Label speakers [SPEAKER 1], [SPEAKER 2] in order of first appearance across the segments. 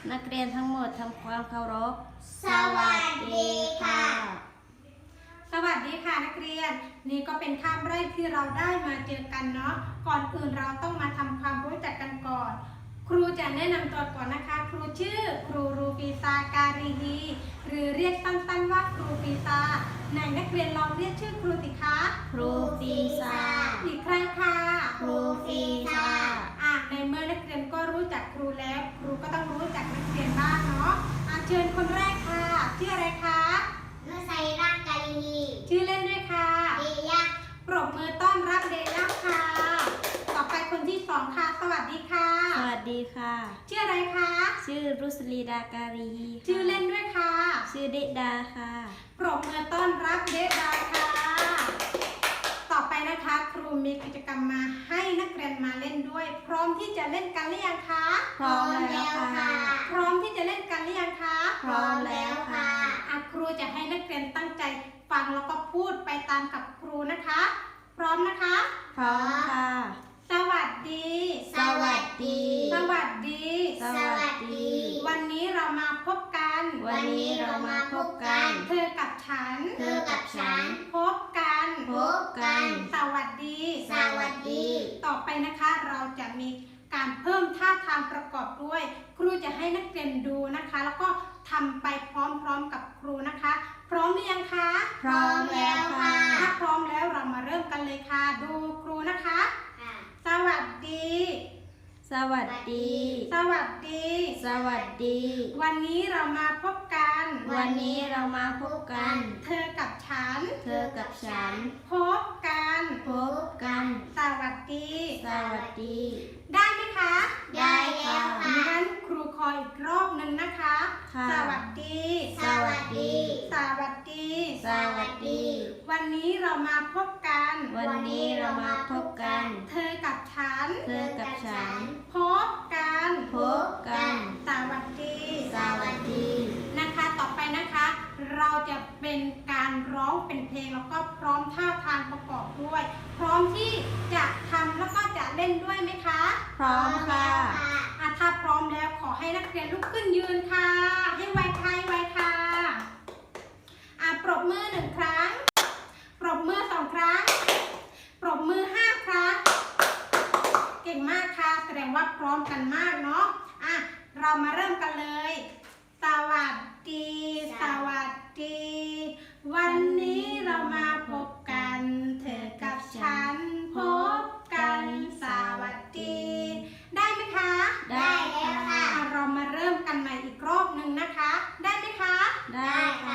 [SPEAKER 1] นักเรียนทั้งหมดทำความเคารพ
[SPEAKER 2] สวัสดีค่ะ
[SPEAKER 3] สวัสดีค่ะนักเรียนนี่ก็เป็นคาบแรกที่เราได้มาเจอกันเนาะก่อนอื่นเราต้องมาทำความรู้จักกันก่อนครูจะแนะนำตัวก่อนนะคะครูชื่อครูรูปีซาการีฮีหรือเรียกสั้นๆว่าครูปีซาไหนนักเรียนลองเรียกชื่อครูสิคะ
[SPEAKER 1] ครูปีซา
[SPEAKER 3] อีกครั้งค่ะ
[SPEAKER 2] ครูปีซา
[SPEAKER 3] ในเมื่อนักเรียนก็รู้จักครูแล้วครูก็ต้องรู้จักนักเรียนบ้างเนาะเชิญคนแรกค่ะชื่ออะไรคะ
[SPEAKER 2] นุสัยร่างกายดี
[SPEAKER 3] ชื่อเล่นด้วยค่ะ
[SPEAKER 2] เดียะ
[SPEAKER 3] ปรบมือต้อนรับเดย่าค่ะต่อไปคนที่สองค่ะสวัสดีค่ะ
[SPEAKER 1] สวัสดีค่ะ
[SPEAKER 3] ชื่ออะไรคะ
[SPEAKER 1] ชื่อรุสลีดาการี
[SPEAKER 3] ชื่อเล่นด้วยค่ะ
[SPEAKER 1] ชื่อเดดาค่ะ
[SPEAKER 3] ปรบมือต้อนรับเดดาค่ะต่อไปนะคะครูมีกิจกรรมมาให้นักเรียนมาเล่นด้วยพร้อมที่จะเล่นกันหรือยังคะ
[SPEAKER 1] พร้อมแล้วค่ะ
[SPEAKER 3] พร้อมที่จะเล่นกันหรือยังคะ
[SPEAKER 1] พร้อมแล้วค่ะ
[SPEAKER 3] ครูจะให้นักเรียนตั้งใจฟังแล้วก็พูดไปตามกับครูนะคะพร้อมนะคะ
[SPEAKER 1] พร้อมค่ะ
[SPEAKER 3] สวัสดี
[SPEAKER 2] สวัสดี
[SPEAKER 3] สวัสดี
[SPEAKER 2] สวัสดี
[SPEAKER 3] วันนี้เรามาพบกัน
[SPEAKER 2] วันนี้เรามาพบกัน
[SPEAKER 3] เธอกับฉัน
[SPEAKER 2] เธอกับฉัน
[SPEAKER 3] พบกัน
[SPEAKER 2] พบกัน
[SPEAKER 3] สวัสดี
[SPEAKER 2] สวัสดี
[SPEAKER 3] ต่อไปนะคะเราจะมีการเพิ่มท่าทางประกอบด้วยครูจะให้นักเรียนดูนะคะแล้วก็ทำไปพร้อมๆกับครูนะคะพร้อมหรือยังคะ
[SPEAKER 2] พร้อมแล้วค่ะ
[SPEAKER 3] ถ้าพร้อมแล้วเรามาเริ่มกันเลยค่ะดูครูนะคะสวัสดี
[SPEAKER 1] สวัสดี
[SPEAKER 3] สวัสดี
[SPEAKER 1] สวัสดี
[SPEAKER 3] วันนี้เรามาพบกัน
[SPEAKER 1] วันนี้เรามาพบกัน
[SPEAKER 3] เธอกับฉัน
[SPEAKER 1] เธอกับฉัน
[SPEAKER 3] พบกัน
[SPEAKER 1] พบกัน
[SPEAKER 3] สวัสดี
[SPEAKER 1] สวัสดี
[SPEAKER 3] ได้ไหมคะ
[SPEAKER 2] ได้แล้วค่ะ
[SPEAKER 3] งั้นครูขออีกรอบหนึ่งนะคะสวัสดี
[SPEAKER 2] สวัสดี
[SPEAKER 3] สวัสดี
[SPEAKER 1] สวัสดี
[SPEAKER 3] วันนี้เรามาพบกัน
[SPEAKER 1] วันนี้เรามาพบกัน
[SPEAKER 3] เธอกับฉัน
[SPEAKER 1] เธอกับฉัน
[SPEAKER 3] พบกัน
[SPEAKER 1] พบกัน
[SPEAKER 3] สวัสดี
[SPEAKER 1] สวัสดี
[SPEAKER 3] นะคะต่อไปนะคะเราจะเป็นการร้องเป็นเพลงแล้วก็พร้อมท่าทางประกอบด้วยพร้อมที่จะทำแล้วก็จะเล่นด้วยไหมคะ
[SPEAKER 1] พร้อมค่ะ
[SPEAKER 3] ถ้าพร้อมแล้วขอให้นักเรียนลุกขึ้นยืนค่ะให้ไวค่ะไวค่ะปรบมือ1 ครั้งปรบมือ2 ครั้งปรบมือ5 ครั้งเก่งมากค่ะแสดงว่าพร้อมกันมากเนาะเรามาเริ่มกันเลยสวัสดีสวัสดีวันนี้เรามาพบกันเธอกับฉันพบกันสวัสดีได้ไหมคะ
[SPEAKER 2] ได้แล้วค่ะ
[SPEAKER 3] เรามาเริ่มกันใหม่อีกรอบหนึ่งนะคะได้ไหมคะ
[SPEAKER 1] ได้ค่ะ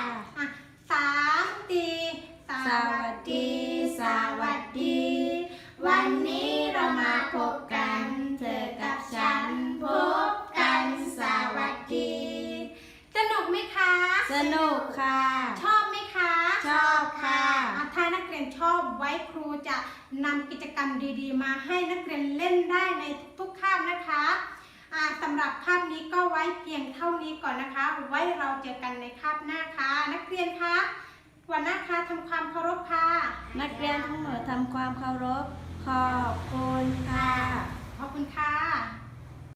[SPEAKER 3] 3 ตี
[SPEAKER 1] สวัสดีสวัสดี
[SPEAKER 2] วันนี้เรามาพบกันเธอกับฉันพบกันสวัสดี
[SPEAKER 3] สนุกไหมคะ
[SPEAKER 1] สนุกค่ะ
[SPEAKER 3] ชอบไหมคะ
[SPEAKER 1] ชอบค่ะ
[SPEAKER 3] ถ้านักเรียนชอบไว้ครูจะนำกิจกรรมดีๆมาให้นักเรียนเล่นได้ในทุกๆคาบนะคะสำหรับคาบนี้ก็ไว้เพียงเท่านี้ก่อนนะคะไว้เราเจอกันในคาบหน้าค่ะนักเรียนคะวันหน้าคะทำความเคารพค่ะ
[SPEAKER 1] นักเรียนทั้งหมดทำความเคารพขอบคุณค่ะ
[SPEAKER 3] ขอบคุณค่ะ